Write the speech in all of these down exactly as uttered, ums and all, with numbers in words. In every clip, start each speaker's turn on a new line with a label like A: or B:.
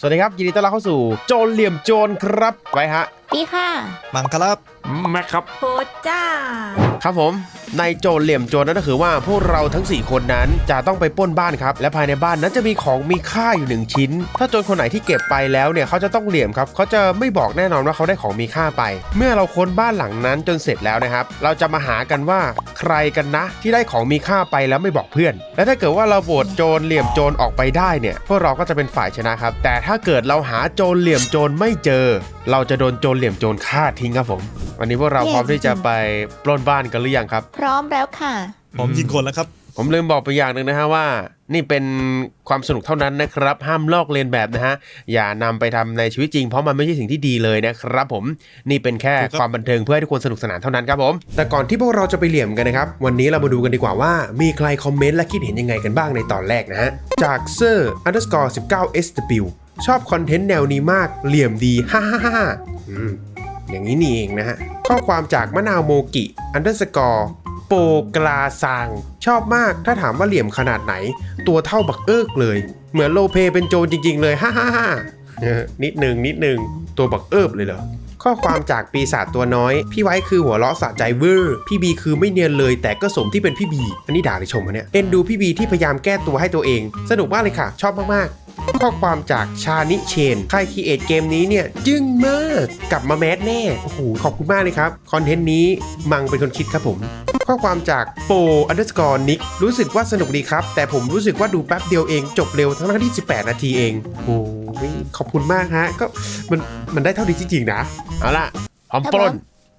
A: สวัสดีครับยินดีต้อนรับเข้าสู่โจรเหลี่ยมโจรครับไปฮะ
B: ปีค่ะ
C: มังครับ
D: แม็กครับ
B: โพจ้า
A: ครับผมในโจรเหลี่ยมโจรนั่นก็คือว่าพวกเราทั้งสี่คนนั้นจะต้องไปปล้นบ้านครับและภายในบ้านนั้นจะมีของมีค่าอยู่หนึ่งชิ้นถ้าโจรคนไหนที่เก็บไปแล้วเนี่ยเขาจะต้องเหลี่ยมครับเขาจะไม่บอกแน่นอนว่าเขาได้ของมีค่าไปเมื่อเราค้นบ้านหลังนั้นจนเสร็จแล้วนะครับเราจะมาหากันว่าใครกันนะที่ได้ของมีค่าไปแล้วไม่บอกเพื่อนและถ้าเกิดว่าเราโหวตโจรเหลี่ยมโจรออกไปได้เนี่ยพวกเราก็จะเป็นฝ่ายชนะครับแต่ถ้าเกิดเราหาโจรเหลี่ยมโจรไม่เจอเราจะโดนโจรเหลี่ยมโจรฆ่าทิ้งครับผมวันนี้พวกเราพร้อมที่จะไปปล้นบ้านกันหรือยังครับ
B: พร้อมแล้วค่ะ
C: ผมยิงคนแล้วครับ
A: ผมลืมบอกไปอย่างหนึ่งนะฮะว่านี่เป็นความสนุกเท่านั้นนะครับห้ามลอกเลียนแบบนะฮะอย่านำไปทำในชีวิตจริงเพราะมันไม่ใช่สิ่งที่ดีเลยนะครับผมนี่เป็นแค่ความบันเทิงเพื่อให้ทุกคนสนุกสนานเท่านั้นครับผมแต่ก่อนที่พวกเราจะไปเหลี่ยมกันนะครับวันนี้เรามาดูกันดีกว่าว่ามีใครคอมเมนต์และคิดเห็นยังไงกันบ้างในตอนแรกนะฮะจากเซอร์ underscore สิบเก้า เอส ดับเบิลยู ชอบคอนเทนต์แนวนี้มากเหลี่ยมดีฮ่าฮ่าฮ่าอืมอย่างนี้นี่เองนะฮะข้อความจากมะนาวโมกิ underscoreโปกลาซางชอบมากถ้าถามว่าเหลี่ยมขนาดไหนตัวเท่าบักเอิกเลยเหมือนโลเปเป็นโจรจริงๆเลยฮ่าฮ่าฮ่านิดหนึ่งนิดหนึ่งตัวบักเอิบเลยเหรอข้อความจากปีศาจตัวน้อยพี่ไว้คือหัวเราะสะใจเวอร์พี่บีคือไม่เนียนเลยแต่ก็สมที่เป็นพี่บีอันนี้ด่าหรือชมคะเนี่ยเอ็นดูพี่บีที่พยายามแก้ตัวให้ตัวเองสนุกมากเลยค่ะชอบมากๆข้อความจากชานิเชนใครครีเอทเกมนี้เนี่ยจึ้งมากกลับมาแมสแน่โอ้โหขอบคุณมากเลยครับคอนเทนต์นี้มังเป็นคนคิดครับผมข้อความจากโป underscore nick รู้สึกว่าสนุกดีครับแต่ผมรู้สึกว่าดูแป๊บเดียวเองจบเร็วทั้งที่สิบแปดนาทีเองโอ้ยขอบคุณมากฮะก็มันมันได้เท่านี้จริงๆนะเอาล่ะพร้อมปล้น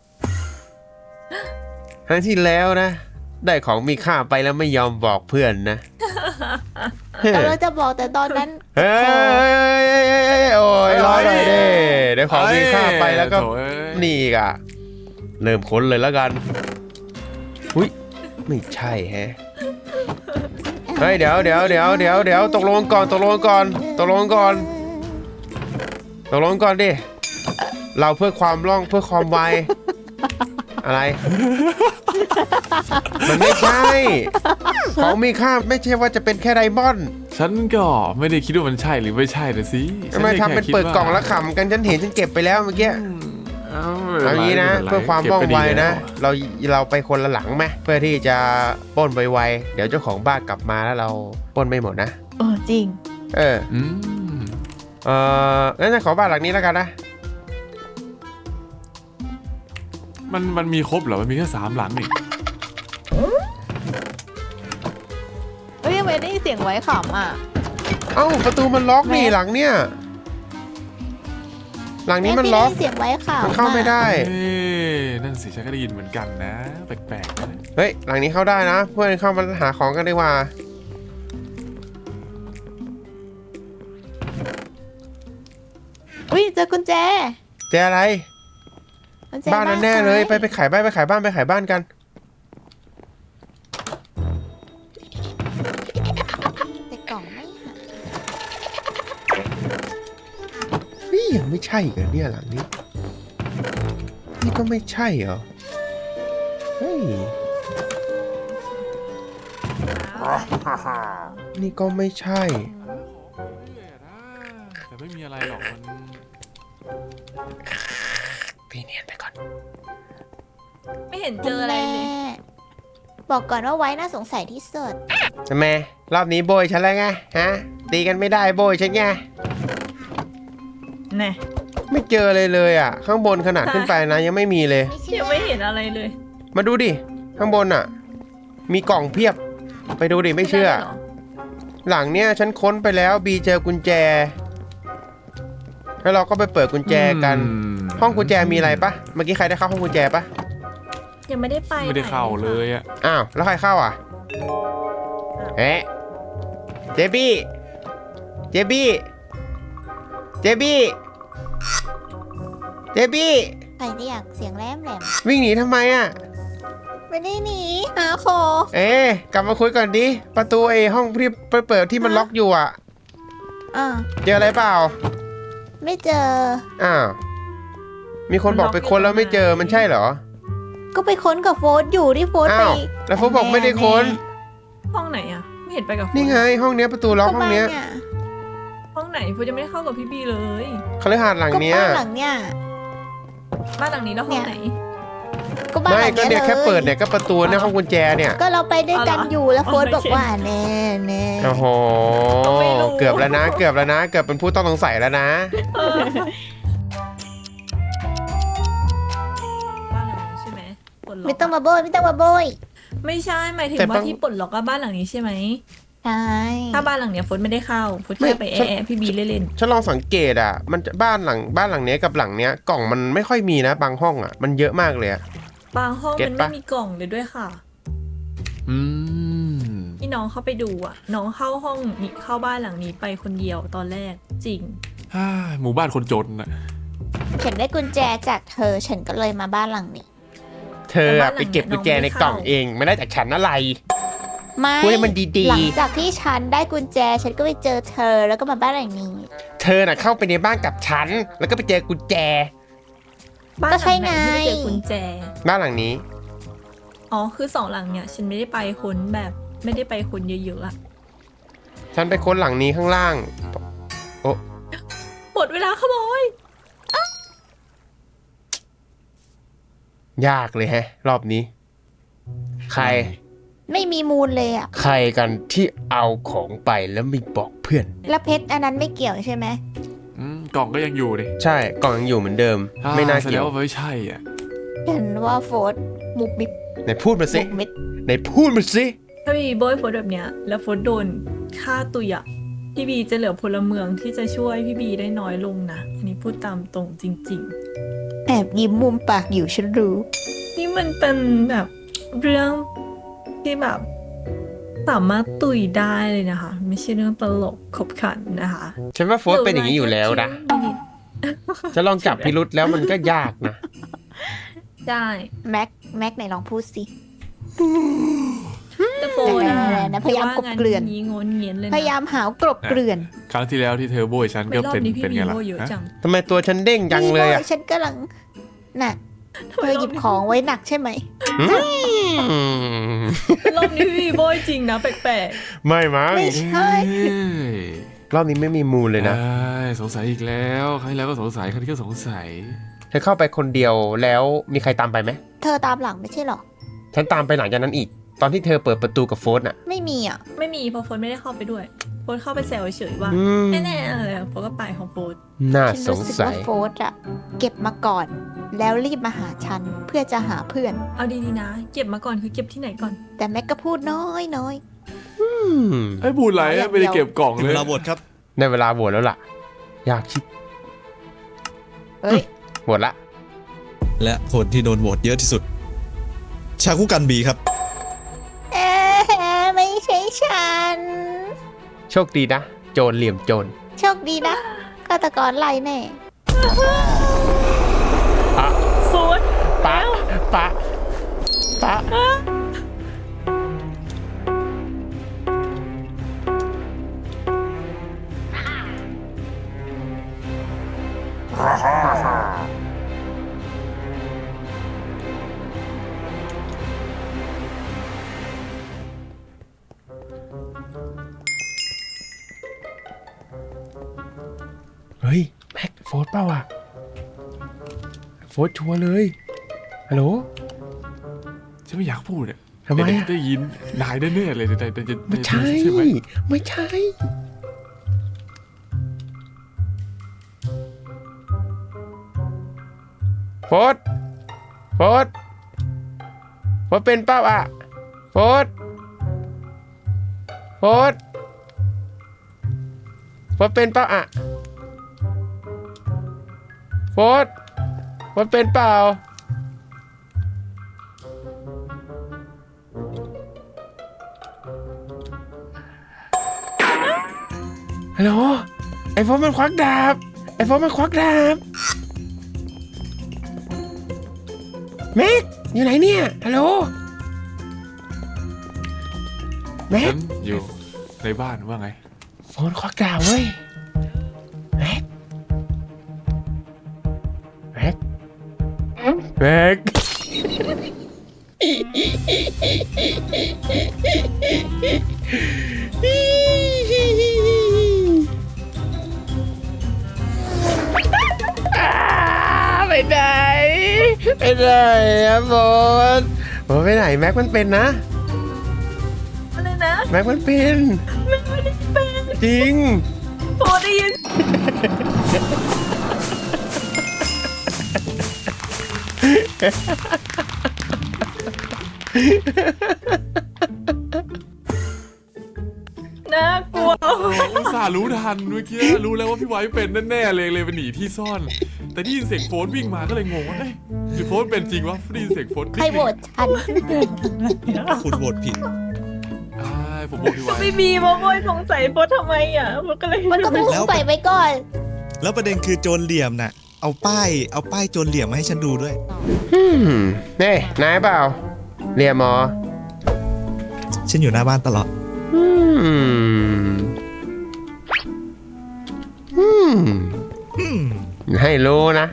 A: ครั้งที่แล้วนะได้ของมีค่าไปแล้วไม่ยอมบอกเพื่อนนะ
B: แต่เราจะบอกแต่ตอนนั้น
A: เฮ้ยโอ้ยรอหน่อยดิเดี๋ยวของมีค่าไปแล้วก็นี่กะเริ่มค้นเลยแล้วกันอุ้ยไม่ใช่แฮะเฮ้ยเดี๋ยวเดี๋ยวเดี๋ยวเดี๋ยวเดี๋ยวตกลงก่อนตกลงก่อนตกลงก่อนตกลงก่อนดิเราเพื่อความร่องเพื่อความไวอะไรมันไม่ใช่ของมีค่าไม่ใช่ว่าจะเป็นแค่ไดมอนด์
D: ฉันก็ไม่ได้คิดว่ามันใช่หรือไม่ใช่นะสิ
A: ทำไมทำเป็นเปิดกล่องแล้วขำกันฉันเห็นฉันเก็บไปแล้วเมื่อกี้เอางี้นะเพื่อความว่องไวนะเราเราไปคนละหลังไหมเพื่อที่จะปล้นไวๆเดี๋ยวเจ้าของบ้านกลับมาแล้วเราปล้นไม่หมดนะ
B: เออจริง
A: เออเอองั้นจะขอบ้านหลังนี้แล้วกันนะ
D: มันมันมีครบเหรอมันมีแค่สามหลังนี่
B: เฮ้ยทำไมได้เสียงไว้ขำอ่ะ
A: เอ้าประตูมันล็อกนี่หลังเนี่ยหลังนี้มันล็อก
B: เสียงไว้ขำ
A: มันเข้าไม่ได้
D: นั่นสิฉันก็ได้ยินเหมือนกันนะแปลกๆนะ
A: เฮ้ยหลังนี้เข้าได้นะเพื่อนเข้ามาหาของกันดีกว่า
B: อุ้ยเจอกุญแจ
A: เจออะไรบ้านนั้นแน่เลยไปไปขายบ้านไปขายบ้านไปขายบ้านกัน
B: แต่กล่องไม่หา
A: เฮ้ยยังไม่ใช่เหรอเนี่ยหลังนี้นี่ก็ไม่ใช่เหรอเฮ้ยนี่ก็ไม่ใช่
D: แต่ไม่มีอะไรหรอกมัน
A: พี่เนียนไปก่อน
B: ไม่เห็นเจออะไรเลยบอกก่อนว่าไว้น่าสงสัยที่สุด
A: ทำไมรอบนี้โบยฉันแล้วไงฮะตีกันไม่ได้โบยฉันไง
B: แน่
A: ไม่เจอเลยเลยอ่ะข้างบนขนาดขึ้นไปนะยังไม่มีเลย
B: ยังไม่เห็นอะไรเลย
A: มาดูดิข้างบนอ่ะมีกล่องเพียบไปดูดิไม่เชื่อหลังเนี้ยฉันค้นไปแล้วบีเจอกุญแจแล้วเราก็ไปเปิดกุญแจกันห้องกุญแจมีอะไรปะเมื่อกี้ใครได้เข้าห้องกุญแจปะ
B: ยังไม่ได้ไป
D: ไม่ได้เข้าเลยอ่ะ
A: อ้าวแล้วใครเข้าอ่ะเอ๊ะเจบี้เจบี้เจบี้เจบี้
B: ใครเรียกเสียงแหลมแหลม
A: วิ่งหนีทำไมอ่ะ
B: ไม่ได้หนีหาคอ
A: เอ๊ะกลับมาคุยก่อนดิประตูไอ้ห้องที่ไปเปิดที่มันล็อกอยู่อ่ะ
B: อ่า
A: เจออะไรเปล่า
B: ไม่เจอ
A: อ้าวมีคนบอกไปค้นแล้วไม่เจอมันใช่เหรอ
B: ก็ไปค้นกับโฟร์อยู่ที่โฟร์ไป
A: แล้วโฟร์บอกไม่ได้ค้น
E: ห้องไหนอ่ะไม่เห็นไปกับ
A: นี่ไงห้องเนี้ยประตูล็อกห้องเนี้ย
E: ห้องไหนไหนโฟนยังไม่ได้เข้ากับพี่บีเลย
A: คฤหาสน์หลัง
B: ก็
A: เนี้ย
B: บ้านหลังเนี้ย
E: บ้านหลังนี้แล้วห้องไหน
B: ก็บ้านห
A: ไม่
B: ลัง
A: ก็
B: เนี้ย
A: เนี่ยแค่
B: เลย
A: เปิดเนี่ยก็ประตูเนี่ยห้องกุญแจเนี่ย
B: ก็เราไปด้วยกัน
E: เอาเหรอ
B: อยู่แล้วโฟน
E: โอเค
B: บอกว่าแน่แน่
A: โอ้โห
E: ไม่รู้
A: เกือบแล้วนะ เกือบแล้วนะ เกือบเป็นผู้ต้องสงสัยแล้วนะ
E: เออบ้านหลังนี้ใช่ไหมปลดล็อก
B: ไม่ต้องมาโบยไม่ต้องมาโบย
E: ไม่ใช่หมายถึง
A: แต่
E: ว่า
A: บาง
E: ที่ปลดล็อกก็บ้านหลังนี้ใช่ไหม
B: ใช่
E: ถ้าบ้านหลังเนี้ยโฟนไม่ได้เข้าโฟน
A: ไม่
E: แค่ไปแอะๆพี่บีเล่น
A: ฉันลองสังเกตอ่ะ มันจะบ้านหลังบ้านหลังเนี้ยกับหลังเนี้ยกล่องมันไม่ค่อยมีนะ บางห้องอ่ะ มันเยอะมากเลยอ่ะ
E: ๆบางห้อง
A: เก็ต
E: มัน
A: ปะ
E: ไม่มีกล่องเลยด้วยค่ะ
D: อืม
E: ที่น้องเข้าไปดูอ่ะ น้องเข้าห้องนี้เข้าบ้านหลังนี้ไปคนเดียวตอนแรกจริง
D: ฮ่าหมู่บ้านคนจนน่ะ
B: ฉันได้กุญแจจากเธอฉันก็เลยมาบ้านหลังนี้
A: เธออะไปเก็บกุญแจในกล่องเอง ไม่ได้จากฉันอะไร
B: ไม่
A: พูดให้มันดีๆ
B: หลังจากที่ฉันได้กุญแจฉันก็ไปเจอเธอแล้วก็มาบ้านหลังนี้
A: เธอน่ะเข้าไปในบ้านกับฉัน แล้วก็ไปเจอกุญแจ
E: บ้าน
B: ก็
E: ห
B: ใช่
E: ลังไหน
B: ไง
E: ที่ไปเจอกุญแจ
A: บ้านหลังนี้
E: อ๋อคือสองหลังเนี่ยฉันไม่ได้ไปค้นแบบไม่ได้ไปค้นเยอะๆอะ
A: ฉันไปค้นหลังนี้ข้างล่าง โอ้
E: หมดเวลาขโมย
A: ยากเลยแฮะ รอบนี้ ใคร
B: ไม่มีมูลเลยอ่ะ
A: ใครกันที่เอาของไปแล้วไม่บอกเพื่อน
B: แล้วเพชรอันนั้นไม่เกี่ยวใช่ไหม
D: อืมกล่องก็ยังอยู่ดิ
A: ใช่กล่องยังอยู่เหมือนเดิม
D: อ่
A: ไม่น่า
D: แสด
A: เกี่ย
D: ง
A: ว
D: ว่าไม่ใช่อ่ะ
B: ฉันว่าโฟร์มุกมิบ
A: ไหนพูดมาสิ
B: มุกมิด
A: ไหนพูดมาสิ
E: ถ้ามีโบยโฟดแบบเนี้ยแล้วโฟดโดนฆ่าตุยอะพี่บีจะเหลือพลเมืองที่จะช่วยพี่บีได้น้อยลงนะอันนี้พูดตามตรงจริง
B: แอบยิ้มมุมปากอยู่ฉันรู้
E: ๆ นี่มันเป็นแบบเรื่องที่แบบสามารถตุยได้เลยนะคะ ไม่ใช่เรื่องตลกขบขันนะคะ
A: ฉันว่าโฟร์เป็นอย่างนี้อยู่แล้วนะ จะลองจับพิรุษแล้วมันก็ยากนะ
E: ได้
B: แม็กแม็กไหนลองพูดสิ
E: แต่โฟน
B: อะไรนะพยายามกบเกลื่อน
E: งี้งนเงียนเลยนะ
B: พยายามหาวกรบเกลื่อน
D: ครั้งที่แล้วที่เธอโบยฉัน
E: ไม่
D: ก็
E: รอบ
D: เป็น
E: นี้พี่
D: เป็น
E: บี
D: ไงล่ะ
E: โบยเยอะ
D: ฮะ
E: จัง
A: ทำไมตัวฉันเด้งจังเลยอ่ะ
B: นี่บฉันกำลังน่ะเธอหยิบของไว้หนักใช่ไหม
A: อืม
E: รอบนี้พี่บีโบยจริงนะแปลก
A: ไม่มั้ง
B: ไม่ใช่
D: เอ้ย
A: รอบนี้ไม่มีมูลเลยนะ
D: เอ้ยสงสัยอีกแล้วครั้งที่แล้วก็สงสัยครั้งนี้ก็สงสัย
A: เธอเข้าไปคนเดียวแล้วมีใครตามไปไหม
B: เธอตามหลังไม่ใช่หรอ
A: ฉันตามไปหลังจากนั้นอีก ตอนที่เธอเปิดประตูกับโฟนอ่ะ
B: ไม่มีอ่ะ
E: ๆไม่มีเพราะโฟนไม่ได้เข้าไปด้วยโฟนเข้าไปแซวเฉยๆว่า
A: อืม
E: แน่ๆอะไรโฟนก็ไปของโฟน
A: น่า
B: ฉัน
A: สง
B: รู้สึก
A: สั
B: ว่าย โฟร์อะเก็บมาก่อน แล้วรีบมาหาฉันเพื่อจะหาเพื่อน
E: เอาดีๆนะ เก็บมาก่อนคือเก็บที่ไหนก่อน
B: แต่แม็กก็พูดน้อยน้อย
A: อืม
D: ไอ้ยบูดไหลอะไม่ได้เก็บกล่อง
C: ถึง
D: เล
C: เวย ลาโหวตครับ
A: ในเวลาโหวตแล้วล่ะ อยากชิด
B: เฮ้ย
A: โหวตละ
C: และคนที่โดนโหวตเยอะที่สุด ชาคุกันบีครับ
B: เอ๊ะไม่ใช่ฉัน
A: โชคดีนะ โจรเหลี่ยมโจร
B: โชคดีนะฆาตกรไล่แน่
A: ปะ
E: โฟน
A: ปะปะปะเฮ้ย แม็กโฟร์เปล่าอ่ะ โฟร์ชัวร์เลย ฮัลโหล
D: ฉันไม่อยากพูดอ่ะ
A: ทำไม
D: เดี๋ยว
A: อะ
D: ได้ยินนายแน่ๆเลยแต่แต่จะ
A: ไม่ใช่
D: ใช่ไหม
A: ไม่ใช่ โฟร์โฟร์โฟร์เป็นเป้าอ่ะ โฟร์โฟร์โฟร์เป็นเป้าอ่ะ โฟร์โฟร์เป็นเปล่า ฮัลโหล ไอโฟนมันควักดาบ ไอโฟนมันควักดาบแม็กอยู่ไหนเนี่ย ฮัลโหล แม็
D: ฉั
A: ก
D: นอยู่ในบ้านว่าไง
A: โฟนควักดาบเว้ย แม็ก แม็ก แม็ก
B: เ
A: ไหนไปไหนอะโบนโบนไปไหนแม็กมันเป็นนะ
E: อะไรนะ
A: แม็กมันเป็น
E: ไม่ได้เป็น
A: จริง
E: โอ้ได้ยิน น่ากลัว
D: โอ้อุตส่าห์รู้ทันเมื่อกี้รู้แล้วว่าพี่ไว้เป็นแน่ๆเลยเลยไปหนีที่ซ่อน แต่ได้ยินเสียงโฟนวิ่งมาก็เลยงงว่าเอ้ยหรือโฟนเป็นจริงวะได้ยินเสียงโฟน
B: ใครโหวตฉัน
C: คุณโหวตผิด
D: อ่าผมบอกพี่ไว้
E: ไม่มีมาโวยสงสัยโบททำไมอ่ะโบก็เลย
B: มันก็พุ่งไปไว้ก่อน
C: แล้วประเด็นคือโจรเหลี่ยมน่ะ เอาป้ายเอาป้ายโจรเหลี่ยมมาให้ฉันดูด้วย
A: อืมนี่นายเปล่าเรียมหมอ
C: ฉันอยู่หน้าบ้านตลอด
A: อืมอืม
C: อืม
A: ให้รู้นะ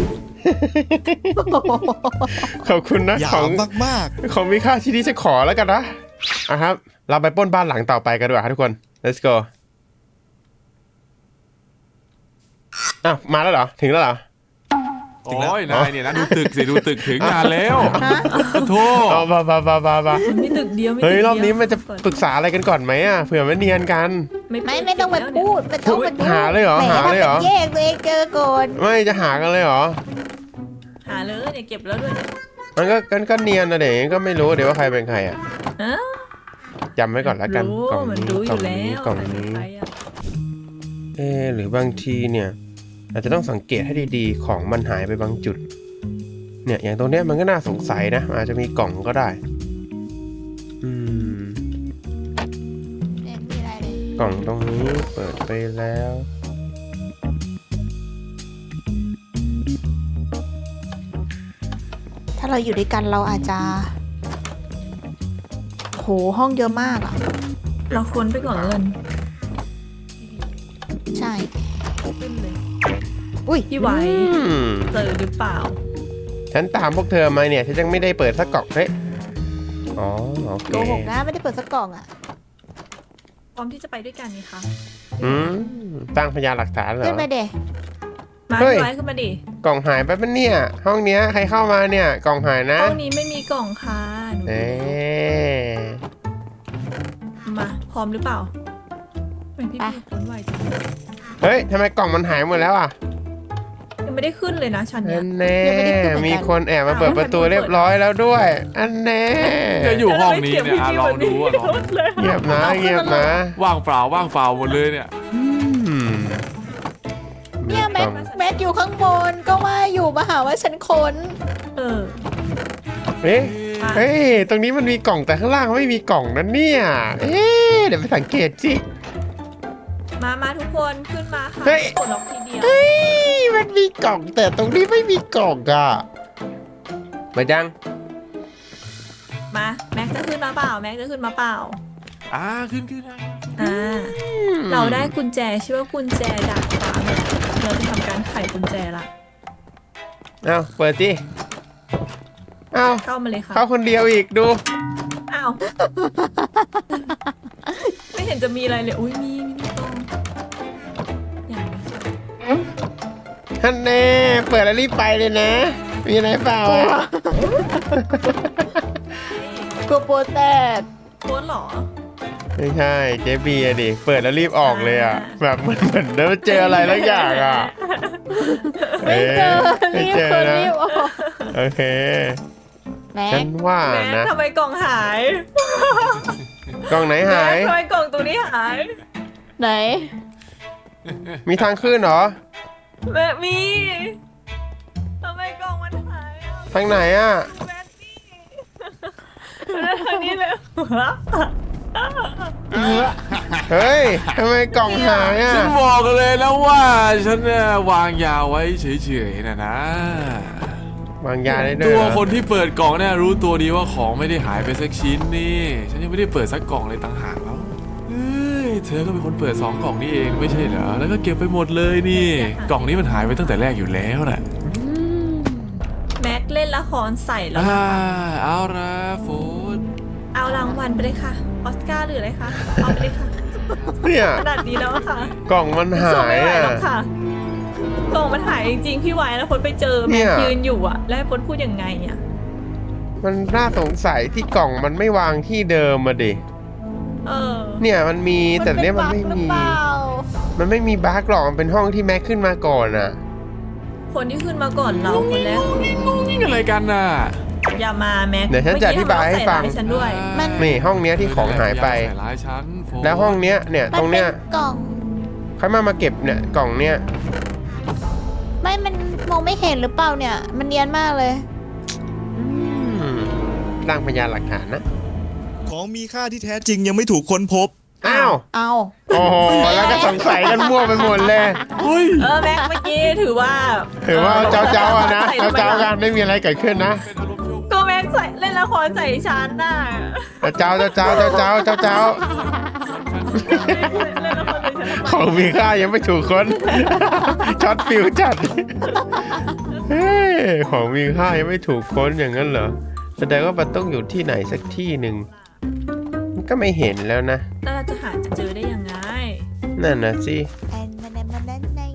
A: ขอบคุณนะ
C: หยา
A: ของ
C: มมาก
A: ของมีค่าที่นี้จะขอแล้วกันนะอ่ะครับ เราไปปล้นบ้านหลังต่อไปกันดีกว่าครับทุกคน let's go อ้าวมาแล้วเหรอ ถึงแล้วเหรอ
D: โอ้ยนายเนี่ยนะดูตึกสิดูตึกถึงงานแล้ว
B: ฮะ
D: ขอโทษ
A: เอาบาบาบาบาบา
E: มันไม่ตึกเดียวไม่ตึก
A: เฮ้ย
E: ดียว
A: รอบนี้มันจะปรึกษาอะไรกันก่อนไหมอ่ะเผื่อไม่เนียนกัน
B: ไม่ไม่ต้องมาพูดไม่ต้องมาดู
A: หาเลยเหรอ
B: แ
A: หาเลยเหรอ
B: ถ้าป็นแยกตัวเองเจอก่อน
A: ไม่จะหากันเลยเหรอ
E: หาเลยเนี่ยเก็บแล้วด้วยเนี่ย
A: มันก็กันก็เนียนนะเด็กก็ไม่รู้เดี๋ยวว่าใครเป็นใครอ่ะ
E: อ้าว
A: จำไว้ก่อนแล้วกัน
E: รู้
A: กล่อง
E: มัน
A: นี้
E: รู้อก
A: ล่อยู่ ง
E: แล้
A: นี้
E: ว
A: กล่อง
E: ใครเป็น
A: นี้
E: ใครอะ
A: เอ๊ะหรือบางทีเนี่ย อาจจะต้องสังเกตให้ดีๆของมันหายไปบางจุด เนี่ยอย่างตรงเนี้ยมันก็น่าสงสัยนะอาจจะมีกล่องก็ได้ อืม
B: ไม่มีอะไรเลย
A: กล่องตรงนี้เปิดไปแล้ว
B: ถ้าเราอยู่ด้วยกันเราอาจจะโหห้องเยอะมากอ่ะ
E: เราค้นไปก่อนแล้วกัน
B: ใช่
E: ขึ้นเลย
B: อุ้ย
E: พี่ไว้
A: อืม
E: เจอหรือเปล่า
A: ฉันตามพวกเธอมาเนี่ยฉันยังไม่ได้เปิดสักกล่องเฮ้ยอ๋อโอเค
B: โกหกนะไม่ได้เปิดสักกล่องอ่ะ
E: พร้อมที่จะไปด้วยกันนี่คะ
A: อืมตั้งพยานหลักฐานเหร
B: ขึ้น
A: อ
B: ไปเด
E: มา
A: เฮ้ย
E: พี่ไว้ขึ้นมาดิ
A: กล่องหายไปปะเนี่ย ห้องเนี้ยใครเข้ามาเนี่ย กล่องหายนะ
E: ห้องนี้ไม่มีกล่องค่ะหนู
A: เอ๊ะ
E: มาพร้อมหรือเปล่าไม่พี่พี่ค้นไวจัง
A: เฮ้ยทำไมกล่องมันหายหมดแล้วอ่ะ
E: ยังไม่ได้ขึ้นเลยนะชั้นเนี้
A: อั
E: ย
A: นแน่มีคนแอบมาเปิดประตูเรียบร้อยแล้วด้วย อันแน่
D: จะอยู่ห้องนี้เนี่ยอ่ะลองดูอ่ะลอง
A: เงียบนะเงียบนะ
D: ว่างเปล่าว่างเปล่าหมดเลยเนี่ย
A: อืม
B: เนี่ยแม็กแม็กอยู่ข้างบนก็ว่าอยู่มาหาว่าฉันค้น
E: เออ
A: เอ๊ะเฮ้ยตรงนี้มันมีกล่องแต่ข้างล่างไม่มีกล่องนั่นเนี่ยเอ๊ะเดี๋ยวไปสังเกตสิ
E: มามาทุกคนขึ้นมาค่ะ
A: เฮ้ย
E: กดล็อกทีเดียว
A: เฮ้ยมันมีกล่องแต่ตรงนี้ไม่มีกล่องอ่ะมาจัง
E: มาแม็กจะขึ้นมาเปล่าแม็กจะขึ้นมาเปล่า
D: อ่าขึ้นขึ้นนะ
E: อ่าเราได้กุญแจชื่อว่ากุญแจดาดฟ้ามาเราจะทำการไขกุญแจละ
A: เอาเปิดสิเอา
E: เข้ามาเลยค่ะ
A: เข้าคนเดียวอีกดู
E: อ้าว ไม่เห็นจะมีอะไรเลยอุ้ยมีมีมีกล้องอย่างนี้ใช่
A: ท่านแน่เปิดแล้วรีบไปเลยนะ มีอะไรเปล่าอ่ะ
B: กลัวโปรแตก
E: โค้ดเหรอ
A: ไม่ใช่เจเบียร์ดิ เปิดแล้วรีบออกเลยอ่ะ แบบเหมือนเหมือนได้เจออะไรแล้วอย่างอ่ะ
B: ไม่เจอ
A: ไม่
B: รีบ
A: เจอ
B: คน
A: นะ
B: รีบออก
A: โอเค
B: แม็
A: ฉั
B: ก
A: นว่า
E: แม็ก
A: นะ
E: ทำไมกล่องหาย
A: กล่องไหนหาย
E: แม็กทำไมกล่องตัวนี้หาย
B: ไหน
A: มีทางขึ้นเหรอ
E: แม็กมีทำไมกล่องมันหายอ่ะ
A: ทางไหนอ่ะ
E: แม็กนี่แล้วทางนี้เลย
A: เฮ้ยทำไมกล่องหายอ่ะ
D: ฉันบอกเลยนะว่าฉันเนี่ยวางยาไว้เฉยๆนะนะ
A: วางยาได้ด้ว
D: ตั
A: ยว เหรอ
D: คนที่เปิดกล่องเนี่ยรู้ตัวดีว่าของไม่ได้หายไปสักชิ้นนี่ฉันยังไม่ได้เปิดสักกล่องเลยต่างหากแล้วเฮ้ยเธอก็เป็นคนเปิดสองกล่องนี่เองไม่ใช่เหรอแล้วก็เก็บไปหมดเลยนี่กล่องนี้มันหายไปตั้งแต่แรกอยู่แล้วน่ะ
E: แม็กเล่นละครใส่แล้ว
D: อ่า
E: นะคะ
D: เอาละโฟน
E: เอารางวัลไปเลยค่ะ ออสการ์หรืออะไรคะ เอาไปเลยค่ะ
A: เนี่ย
E: ขนาดนี้แล้วอะค่ะ
A: กล่องมันหา
E: สู้
A: ย
E: ไม่ไหว
A: อ่ะ
E: หรอกค่ะกล่ององมันหายจริงๆพี่ไว้แล้วพดไปเจอ
A: เนี่
E: แม็
A: ย
E: กยืนอยู่อะแล้วให้พดพูดยังไงอะ
A: มันน่าสงสัยที่กล่องมันไม่วางที่เดิมมาดิ
E: เออ
A: เนี่ยมันมีแต่เนี้ยมันไม่
B: เป็
A: มี
B: บั๊กหรือเปล่า
A: มันไม่มีบาร์กหรอกมันเป็นห้องที่แม็กขึ้นมาก่อนอ่ะ
E: คนที่ขึ้นมาก่อนเราคนแรก
D: นี่อะไรกันน่ะ
E: อย่ามาแม็ก
A: เดี๋ยวฉันจะอธิบายให้ฟัง
E: เมื่อกี้ทำร้ายฉันด้วย
B: มัน
A: นี่ห้องเนี้ยที่ของหายไป
D: ใส่ร้ายฉันโฟ
A: แล้วห้องเนี้ยเนี่ย
B: มั
A: ตรงเนี้ย
B: ป็กล่อง
A: ใครมามาเก็บเนี่ยกล่องเนี้ย
B: ไม่ มันมองไม่เห็นหรือเปล่าเนี่ย มันเนียนมากเลย
A: อืมร่างพยานหลักฐานนะ
C: ของมีค่าที่แท้จริงยังไม่ถูกค้นพบ
A: อ้าว
B: เอา
A: โอ้โหแล้วก็สงสัยกันมั่วไปหมดเลย
D: เฮ้ย
E: เออแม็กเมื่อกี้ถือว่า
A: ถือว่าเจ้าเจ้าๆอะนะ
E: ใส่
A: เจ้า
E: ทำไม
A: เจ้าๆกันไม่มีอะไรเกิดขึ้นนะ
D: เป็นอารมณ์ชั่ว
E: ก็แม็กใส่เล่นละครใส่ฉันน่ะ
A: เจ้าเจ้าเจ้าเจ้าเจ้าเจ้าเจ้า
E: เล่นละครใส่ฉันทำไม
A: ของมีค่ายังไม่ถูกค้น ช็อตฟิวจัดเฮ้ยของมีค่ายังไม่ถูกค้นอย่างนั้นเหรอแสดงว่ามันต้องอยู่ที่ไหนสักที่หนึ่งมันก็ไม่เห็นแล้วนะ
E: แล้วเราจะหาจะเจอได้ยังไง
A: นั่นนะสิ
B: แอนมันแอนมันแอนใน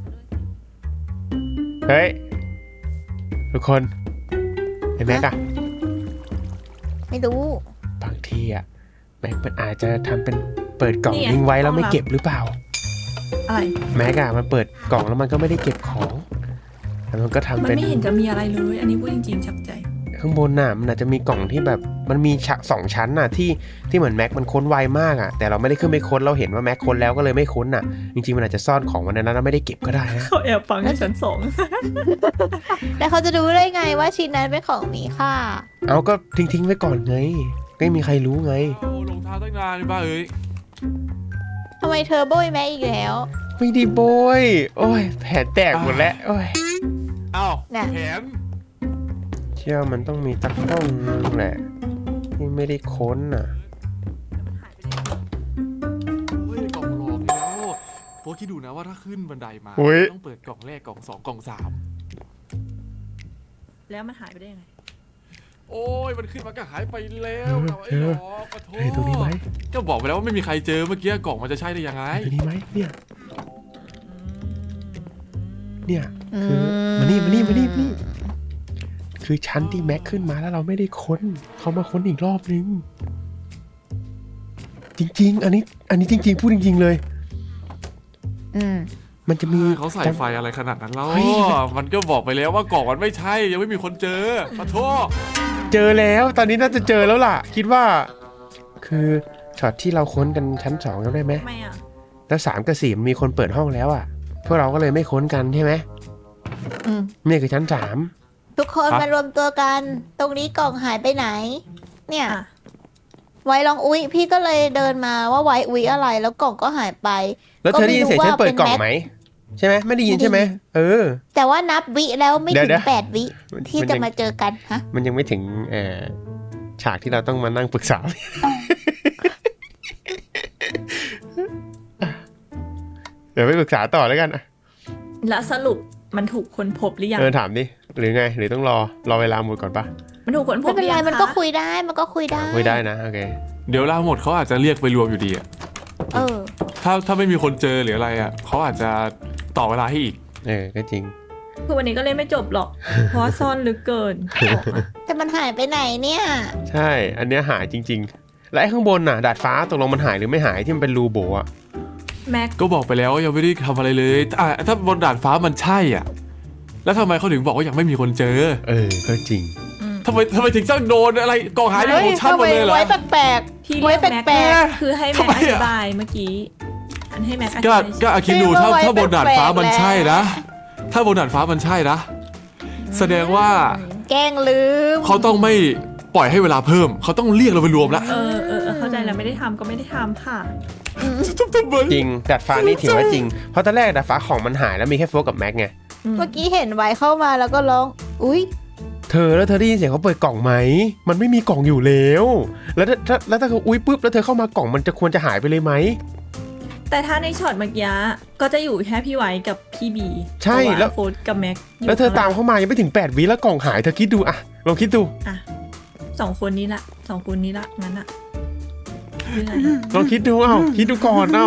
A: เฮ้ยทุกคนไอ้แม็กอะ
B: ไม่รู้
A: บางทีอะแม็กมันอาจจะทำเป็นเปิดกล่อง
E: นี่ไง
A: ทิ้งไว้แล้ว
E: กล่อง
A: ไม่
E: ลับ
A: เก็บหรือเปล่า
E: อะไร
A: แม็กอะมันเปิดกล่องแล้วมันก็ไม่ได้เก็บของแล้วมันก็ทำ
E: มัน
A: เป็น
E: ไม่เห็นจะมีอะไรเลย อันนี้พูดจริงๆชับใจ
A: ข้างบนน่ะมันอาจจะมีกล่องที่แบบมันมีฉะสองชั้นน่ะที่ที่เหมือนแม็กมันค้นไวมากอะแต่เราไม่ได้ขึ้นไปค้นเราเห็นว่าแม็กค้นแล้วก็เลยไม่ค้นน่ะ จริงๆมันอาจจะซ่อนของมันในนั้นแล้วไม่ได้เก็บก็ได้นะ
E: เขาแอบฟังในชั้นสอง
B: แล้วเขาจะรู้ได้ไงว่าชิ้นนั้นเป็นของมีค่า
A: เอาก็ทิ้งทิ้งๆไว้ก่อนไงไม่มีใครรู้ไง
D: โอ้ลงเท้าตั้งนานเลยป้าเอ้ย
B: ทำไมเธอโบยแม่อีกแล้ว
A: ไม่ดีโบยโอ้ยแผลแตกหมดแล้วโอ้ย
D: อ้าว
B: น่ะ
D: แผน
A: เชื่อมันต้องมีตักห้องนึงแหละที่ไม่ได้ค้นน่ะ
D: เฮ้ยกล่องหลอกแล้วโฟคิดดูนะว่าถ้าขึ้นบันไดมา
A: อุ๊ย
D: ต้องเปิดกล่องแรกกล่องสองกล่องสาม
E: แล้วมันหายไปได้ยังไง
D: โอ้ยมันขึ้นมาก็หายไปแล้วเอาไอ้หลอกปะโถ
A: เฮ้ยตรงนี้ไหม
D: ก็บอกไปแล้วว่าไม่มีใครเจอเมื่อกี้กล่องมันจะใช่ได้ยังไง
A: ตรงนี้ไหมเนี่ย
E: อืม
A: เนี่ยคือมานี่มานี่มานี่มานี่คือชั้นที่แม็กขึ้นมาแล้วเราไม่ได้ค้นเขามาค้นอีกรอบนึงจริง ๆ อันนี้อันนี้จริง ๆ พูดจริง ๆ เลย
B: อืม
A: มันจะมี
D: เขาใส่ไฟอะไรขนาดนั้นแล้ว
A: เฮ้ย
D: มันก็บอกไปแล้วว่ากล่องมันไม่ใช่ยังไม่มีคนเจอปะโถ
A: เจอแล้วตอนนี้น่าจะเจอแล้วล่ะ คิดว่า คือช็อตที่เราค้นกันชั้นสองจำได้ไหม
E: ทำไมอ่ะ
A: แล้วสามกับสี่มันมีคนเปิดห้องแล้วอ่ะพวกเราก็เลยไม่ค้นกันใช่ไหม
B: อืม
A: เนี่ยคือชั้นสาม
B: ทุกคนมารวมตัวกัน ตรงนี้กล่องหายไปไหน เนี่ย
E: อ่ะ
B: ไว้ลองอุ๊ย พี่ก็เลยเดินมาว่าไว้อุ๊ยอะไร แล้วกล่องก็หายไป
A: แล้วเธอได้ยินเสียงฉันเปิดกล่องไหมใช่ไหมไม่ได้ยินใช่ไหมเออ
B: แต่ว่านับวิแล้วไม่
A: เดี๋
B: ถึ
A: ยว
B: ง
A: เดี๋ยว
B: แปดวิ
A: มัน
B: ที่
A: มัน
B: จะ
A: ยัง
B: มาเจอกันฮะ
A: มันยังไม่ถึงเอ่อฉากที่เราต้องมานั่งปรึกษา เดี๋ยวไปปรึกษาต่อแล้วกันอะ
E: แล้วสรุปมันถูกค้นพบหรือยัง
A: เออถามดิหรือไงหรือต้องรอรอเวลาหมดก่อนปะ
E: มันถูกค้นพ
B: ไม่
E: บ
B: เป็นไร
E: หอยัง
B: มันก็
E: คะ
B: คุยได้มันก็คุยได้
A: ไม่ได้นะโอเค
D: เดี๋ยวเวลาหมดเขาอาจจะเรียกไปรวมอยู่ดีอะ
B: เออ
D: ถ้าถ้าไม่มีคนเจอหรืออะไรอะเขาอาจจะต่อเวลาให้อีก
A: เออก็จริง
E: คือวันนี้ก็เล่นไม่จบหรอก เพราะว่าซ่อนลึกเกินบอกมา
B: แต่มันหายไปไหนเนี่ย
A: ใช่ อันเนี้ยหายจริง ๆ และไอ้ข้างบนน่ะดาดฟ้าตกลงมันหายหรือไม่หายที่มันเป็นรูโบอะ
E: แม็ก
D: ก็บอกไปแล้วว่ายังไม่ได้ทำอะไรเลยอ่ะถ้าบนดาดฟ้ามันใช่อ่ะ แล้วทำไมเขาถึงบอกว่ายังไม่มีคนเจอ
A: เออก็จริง
D: ทำไมทำไมถึงต้องโดนอะไรกองหายที่ของฉันหมดเลยเหรอ
B: ไว้แปลก
E: ที่
B: ไว้
E: เรียกแม็ก
B: แปลก
E: คือให้แม็ก
D: ทำไม
E: อ
D: อะ
E: ธิบายเมื่อกี้ อันให้แม็กอธิ
D: ก็
E: บาย
D: ก็อาคิดดูถ้า
B: ไว้
D: ถ้าบนดาดฟ้ามัน
B: แปลกๆ
D: ใช่นะ
B: แล้ว
D: ถ้าบนดาดฟ้ามันใช่นะ แสดงว่า
B: ๆแกล้งลืม
D: เขาต้องไม่ปล่อยให้เวลาเพิ่ม เขาต้องเรียกเราไปรวมแล้ว
E: เออเออเออเข้าใจแล้วไม่ได้ทำก็ไม่ได้ทำค่ะ
A: จริงดาดฟ้านี่ถือว่าจริง เพราะตอนแรกดาดฟ้าของมันหายแล้วมีแค่โฟกกับแม็กไง
B: เมื่อกี้เห็นไว้เข้ามาแล้วก็ร้อง อุ๊ย
A: เธอแล้วเธอได้ยินเสียงเขาเปิดกล่องไหม มันไม่มีกล่องอยู่แล้ว แล้วถ้าถ้าแล้วถ้าเขาอุ้ยปุ๊บแล้วเธอเข้ามากล่องมันจะควรจะหายไปเลยไหม
E: แต่ถ้าในช็อตเมื่อกี้ก็จะอยู่แค่พี่ไว้กับพี่บี
A: ใช่
E: เพราะา
A: แล้ว
E: โฟร์กับแม็กยู่
A: แล้วเธอตามเข้ามายังไม่ถึงแปดวิแล้วกล่องหายเธอคิดดูอะลองคิดดู
E: อ่ะสองคนนี้ละสองคนนี้ละงั้นอะยังไง
A: ลองคิดดูเอ้าคิดดูก่อนเอ้า
E: ไหน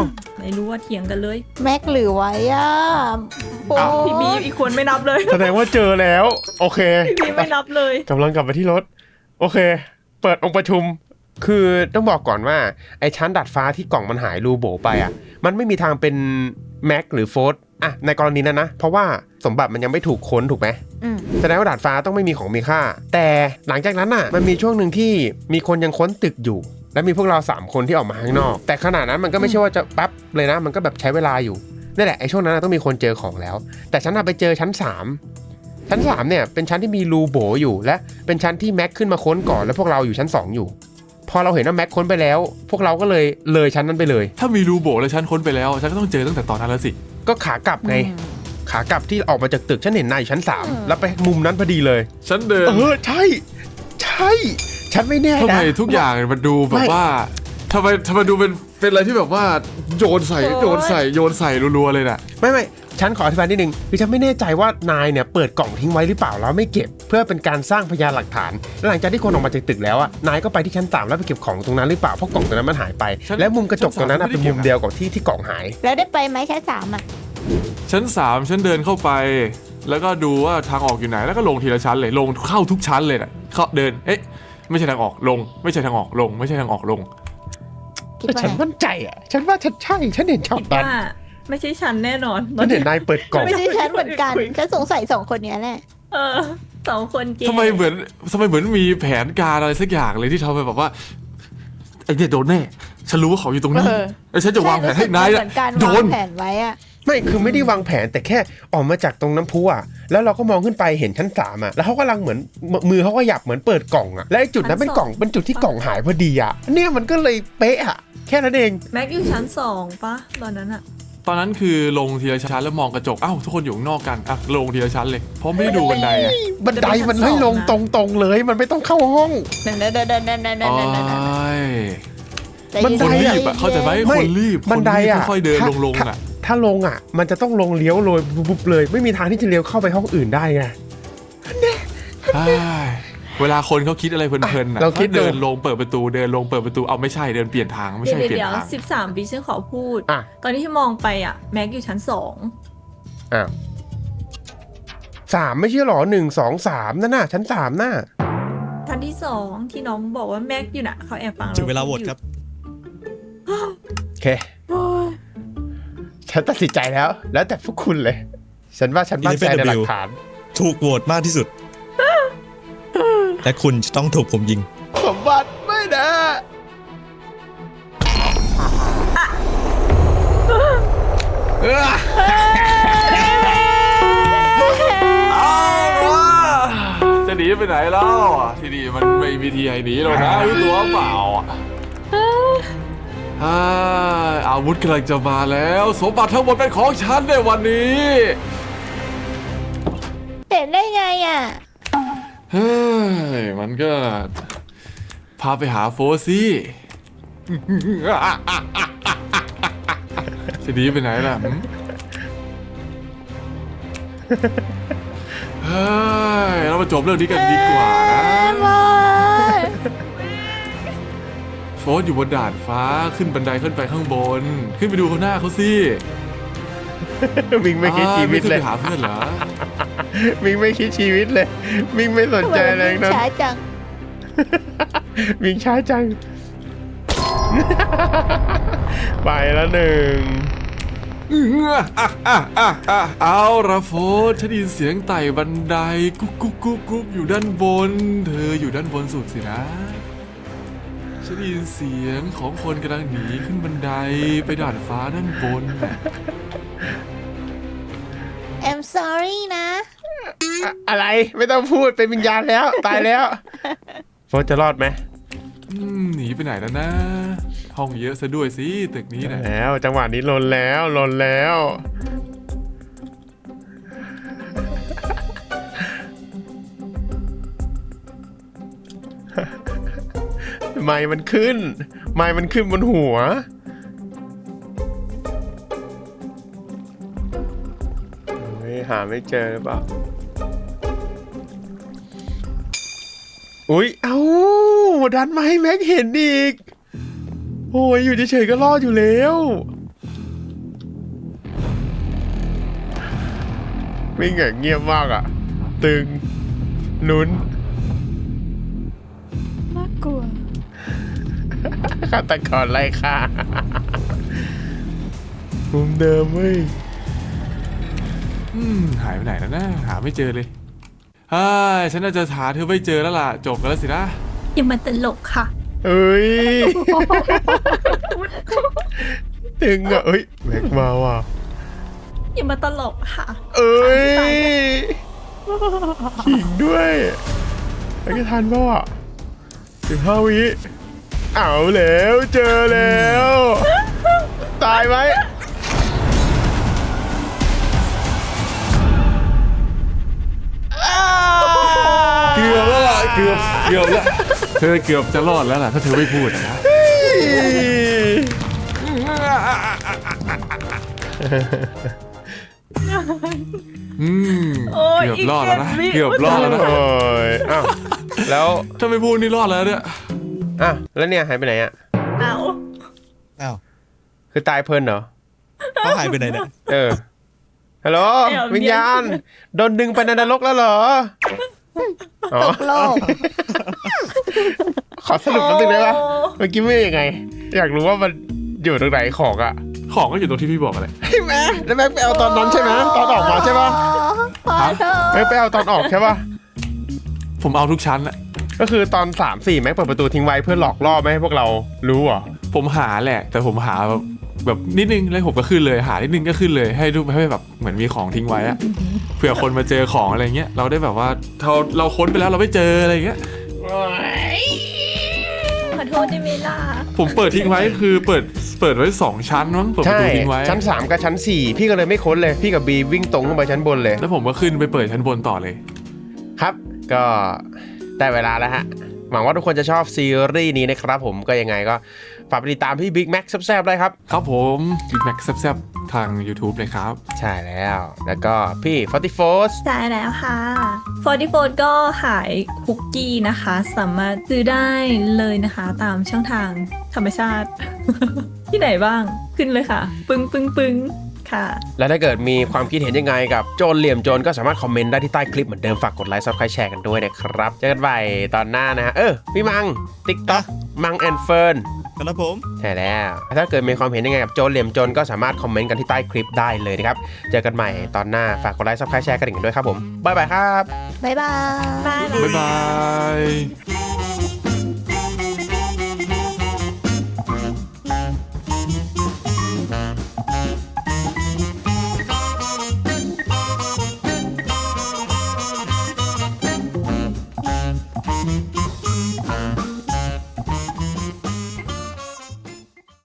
E: ไม่รู้ว่าเถียงกันเลย
B: แม็กหรือไว้อะโอ้
E: พี่บีอีกคนไม่นับเลย
A: แสดงว่าเจอแล้ว โอเค
E: พี่บีไม่นับเลย
A: กำลังกลับไปที่รถ โอเค เปิดองค์ประชุม คือต้องบอกก่อนว่าไอ้ชั้นดัดฟ้าที่กล่องมันหายรูโบไปอ่ะมันไม่มีทางเป็นแม็กหรือโฟร์อ่ะในกรณีนั้นนะเพราะว่าสมบัติมันยังไม่ถูกค้นถูกไหม
B: อืม
A: แสดงว่าดาดฟ้าต้องไม่มีของมีค่า แต่หลังจากนั้นน่ะมันมีช่วงหนึ่งที่มีคนยังค้นตึกอยู่ และมีพวกเราสามคนที่ออกมาข้างนอก แต่ขนาดนั้นมันก็ไม่ใช่ว่าจะแป๊บเลยนะมันก็แบบใช้เวลาอยู่นี่แหละไอ้ช่วงนั้นนะต้องมีคนเจอของแล้ว แต่ฉันน่ะไปเจอชั้นสามชั้นสามเนี่ยเป็นชั้นที่มีรูโบอยู่ และเป็นชั้นที่แม็กขึ้นมาค้นก่อนแล้วพวกเราอยู่ชั้นสองอยู่พอเราเห็นว่าแม็กค้นไปแล้ว พวกเราก็เลยเลยชั้นนั้นไปเลย
D: ถ้ามีรูโบแล้วฉันค้นไปแล้วฉันก็ต้องเจอตั้งแต่ตอนนั้นแล้วสิ
A: ก็ขากลับไง ขากลับที่ออกมาจากตึกฉันเห็นนายอยู่ชั้นสามแล้วไปมุมนั้นพอดีเลย
D: ฉันเดิน
A: เออใช่ ใช่ ฉันไม่แน่
D: ทำ
A: นะ
D: ไมทุกอย่างมันดูแบบ
A: ไม่
D: ว่าทำไมทำไมดูเป็นเป็นอะไรที่แบบว่าโยนใส่โยนใส่โยนใส่รัวๆเลยน่ะ
A: ไม่ไม่ฉันขออธิบายนิดนึงคือฉันไม่แน่ใจว่านายเนี่ยเปิดกล่องทิ้งไว้หรือเปล่าแล้วไม่เก็บ เพื่อเป็นการสร้างพยานหลักฐานและหลังจากที่คนออกมาจากตึกแล้วอ่ะนายก็ไปที่ชั้นสามแล้วไปเก็บของตรงนั้นหรือเปล่าเพราะกล่องตรงนั้นมันหายไป
D: ฉัน
A: และมุมกระจกตรงนั้นน่ะ
D: ฉัน
A: เป็น
D: สาม
A: มุมเดียวกับที่ที่กล่องหาย
B: แล้วได้ไปไหมชั้นสามอ่ะ
D: ชั้นสามฉันเดินเข้าไป แล้วก็ดูว่าทางออกอยู่ไหนแล้วก็ลงทีละชั้นเลยลงเข้าทุกชั้นเลยน่ะเข้าเดินเอ๊ะไม่ใช่ทางออกลง ไม่ใช่ทางออกลง ไม่ใช่ทางออกลง
B: คิด
A: แต่
B: ว่า
A: ฉัน
B: ไง
A: มั่นใจอ่ะฉันว่าฉันใช่ฉันเห็นช็อต
E: คิด
A: นั้น
E: ว่าไม่ใช่ฉันแน่นอน
A: ฉันเห็นนายเปิดกล่อง
B: ไม่ใช่ฉันเหมือนกันฉันสงสัยสองคนเนี้ยแหละ
E: เออสองคนเกย์
D: ทำไมเหมือนทำไมเหมือนมีแผนการอะไรสักอย่างเลยที่ทำให้แบบว่าไอ้เนี่ยโดนแน่ฉันรู้ว่าเขาอยู่ตรงนี้
B: เออ
D: แล้วฉันจะวางแผนให้นาย
B: เห
D: น่ะ
B: มือนกัน
D: โด
B: วาน งแผนไว้อะ
A: ไม่คือไม่ได้วางแผนแต่แค่ออกมาจากตรงน้ำพุอ่ะแล้วเราก็มองขึ้นไปเห็นชั้นสามอ่ะแล้วเขากำลังเหมือนมือเขาก็หยับเหมือนเปิดกล่องอ่ะและไอ้จุดนั้นเป็นกล่องเป็นจุดที่กล่องหายพอดีอ่ะเนี่ยมันก็เลยเป๊ะอ่ะแค่นั้นเอง
E: แม็กอยู่ชั้นสองปะตอนนั้นอะ
D: ตอนนั้นคือลงทีละชั้นแล้วมองกระจกอ้าวทุกคนอยู่ข้างนอกกันอ่ะลงทีละชั้นเลยเพราะไม่ได้ดูบันไดอ่ะ
A: บันไดมันให้ลงตรงๆเลยมันไม่ต้องเข้าห้อง
B: เดินเดินเดินเดินเดินเดินเดิ
D: โอ้
B: นเดิน
D: ย
B: ใจ
A: บัน
B: เย็
A: ได
D: คน
B: ๆ
D: รีบอ่ะเข้าใจไหม
A: ไม่
D: คนรีบ
A: บันไดอ่ะ
D: ค่อยๆเดิน
A: ถ้า
D: ลงๆอ่ะ
A: ถ้าลงอ่ะ มันจะต้องลงเลี้ยวโรยบุบๆเลย ไม่มีทางที่จะเลี้ยวเข้าไปห้องอื่นได้ไง
D: ใช่เวลาคนเขาคิดอะไรเพลินๆน่ะ
A: เราคิด
D: เดิน
A: ดู
D: ลงเปิดประตูเดินลงเปิดประตูเอาไม่ใช่เดินเปลี่ยนทางไม่
E: เดี๋ย
D: ใช่
E: ว
D: เปลี่ย
E: เดี๋ย
D: น
E: ว
D: ทาง
E: สิบสามวิฉันขอพูด
A: อ่ะ
E: ตอนนี้ที่มองไปอะแม็กอยู่ชั้นสอง
A: อ้าวสามไม่ใช่หรอหนึ่งสองสามนั่นน่ะชั้นสามน่ะ
E: ชั้นที่สองที่น้องบอกว่าแม็กอยู่น่ะเขาแอบฟัง
C: ถึงเวลาโหวตครับ
A: โอเค ฉันตัดสินใจแล้ว แล้วแต่พวกคุณเลย ฉันว่าฉันมั่นใจในหลักฐาน
C: ถูกโหวตมากที่สุด และคุณจะต้องถูกผมยิง
A: สมบัติไม่นะ
D: จะหนีไปไหนแล้วที่นี่มันไม่มีทีให้หนีหรอกนะรู้ตัวเปล่าอ่ะอ่าอาวุธกำลังจะมาแล้วสมบัติทั้งหมดเป็นของฉันในวันนี้
B: เห็นได้ไงอ่ะ
D: เฮ้ยมันก็พาไปหาโฟซี่จะหนีไปไหนล่ะหืมเฮ้ยเรามาจบเรื่องนี้กันดีกว่านะ โฟสอยู่บนด่านฟ้าขึ้นบันไดขึ้นไปข้างบน ขึ้นไปดูเขาหน้าเขาสิ
A: มิงไม่คิดชีวิต
D: อ่า
A: เลย
D: ไม่ขึ้นไปหาเพื่อนเหรอ
A: มิงไม่คิดชีวิตเลย มิงไม่สน
B: ทำไม
A: ใจ
B: มัน
A: อะไร
B: วิ่ง
A: นั้น
B: ช้าจัง
A: มิงช้าจัง ไปแล้วหนึ่ง
D: เอาละโฟสฉันได้ยินเสียงไต่บันไดกุ๊กกุ๊กกุ๊กกุ๊กอยู่ด้านบน เธออยู่ด้านบนสุดสินะฉันได้ยินเสียงของคนกำลังหนีขึ้นบันไดไปด่านฟ้าด้านบน
B: I'm sorry นะ
A: อะอะไรไม่ต้องพูดเป็นวิญญาณแล้ว ตายแล้ว โฟร์จะรอดไหม
D: อืมหนีไปไหนแล้วนะ ห้องเยอะซะด้วยสิตึกนี้นะ
A: แล้วจังหวะนี้ลนแล้วลนแล้ว ไม้มันขึ้น ไม้มันขึ้นบนหัว เฮ้ยหาไม่เจอหรือเปล่า อุ๊ย เอ้า ดันมาให้แม็กเห็นอีก โอ้ย อยู่เฉยๆก็รอดอยู่แล้ววิ่งอย่างเงียบมากอ่ะ ตึงลุ้น
B: น่ากลัว
A: ฆาตกรไล่ฆ่ามุมเดิมเว้ย
D: อืมหายไปไหนแล้วนะหาไม่เจอเลยเฮ้ยฉันน่าจะหาเธอไม่เจอแล้วล่ะจบกันแล้วสินะ
E: อย่ามาตลกค่ะ
A: เอ้ย ตึงอ่ะเอ้ยแม็กมาว่ะ
E: อย่ามาตลกค่ะ
A: เอ้ยขิงด้วยไอ้ทันป่ะสิบห้าวิเอาแล้วเจอแล้ว ตายไหม
D: เกือบแล้วล่ะเกือบเกือบแล้วเธอเกือบจะรอดแล้วล่ะถ้าเธอไม่พูดนะอืม
E: โอ้ย
D: เกือบรอดแล้วนะ
E: อีกเจ็ดวิ
D: เกือบรอดแล้วนะ
A: โอ้ยอ้าวแล้ว
D: ถ้าไม่พูดนี่รอดแล้วเนี่ย
A: อ้าวแล้วเนี่ยหายไปไหนอ่ะ
E: เอา
C: อ้าว
A: คือตายเพลินเหรอ
C: เขาหายไปไหนเนี่ย
A: เออ ฮัลโหล วิญญาณ โดนดึงไปในนรกแล้วเหรอ อ๋อ
B: ตกโลก
A: ขอสรุปนิดนึงได้ปะเมื่อกี้ไม่ยังไง อยากรู้ว่ามันอยู่ตรงไหนของอ่ะ
D: ของก็อยู่ตรงที่พี่บอกอะไร
A: ใช่ไหมแล้วแม็กไปเอาตอนนั้นใช่ไหมตอนออกมาใช่ปะ
B: ขอโทษ
A: แม็กไปเอาตอนออกใช่ปะ
D: ผมเอาทุกชั้นอะ
A: ก็คือตอนสามสี่แม็กเปิดประตูทิ้งไว้เพื่อหลอกล่อไม่ให้พวกเรารู้เหรอ
D: ผมหาแหละ แต่ผมหาแบบแบบนิดนึงแล้วผมก็ขึ้นเลยหานิดนึงก็ขึ้นเลยให้ดูให้แบบเหมือนมีของทิ้งไว้อะเผื่อคนมาเจอของอะไรเงี้ยเราได้แบบว่าเราเราค้นไปแล้วเราไม่เจออะไรเงี้ย
E: ขอโทษได้ไหมล่ะ
D: ผมเปิดทิ้งไว้คือเปิดเปิดไว้สองชั้นมั้งเปิดประ
A: ใช่
D: ตูทิ้งไว้
A: ชั้นสามกับชั้นสี่พี่ก็เลยไม่ค้นเลย พี่กับบีวิ่งตรงขึ้นไปชั้นบนเลย
D: แล้วผมก็ขึ้นไปเปิดชั้นบนต่อเลย
A: ครับ ก็ได้เวลาแล้วฮะ หวังว่าทุกคนจะชอบซีรีส์นี้นะครับผมก็ยังไงก็ฝากไปติดตามพี่บิ๊กแม็กแซบๆได้ครับ
D: ครับผมบิ๊กแม็กแซ่บๆทาง YouTube เลยครับ
A: ใช่แล้ว แล้วก็พี่ฟอร์ตี้โฟส
E: ใช่แล้วค่ะฟอร์ตี้โฟก็ขายคุกกี้นะคะ สามารถซื้อได้เลยนะคะ ตามช่องทางธรรมชาติ ที่ไหนบ้างขึ้นเลยค่ะ ปึ้งปึ้งปึ้งค่ะ
A: และถ้าเกิดมีความคิดเห็นยังไงกับโจรเหลี่ยมโจรก็สามารถคอมเมนต์ได้ที่ใต้คลิปเหมือนเดิมฝากกดไลค์ซับสไครต์แชร์กันด้วยนะครับเจอกันใหม่ตอนหน้านะฮะเออพี่มัง TikTok มังแอนเฟิร์น
C: ครับผม
A: ใช่แล้ว ถ้าเกิดมีความเห็นยังไงกับโจรเหลี่ยมโจรก็สามารถคอมเมนต์กันที่ใต้คลิปได้เลยนะครับเจอกันใหม่ตอนหน้าฝากกดไลค์ซับสไครต์แชร์กันอีกด้วยครับผมบ๊ายบายครับ
B: บ๊ายบาย
E: บาย
D: บ๊ายบาย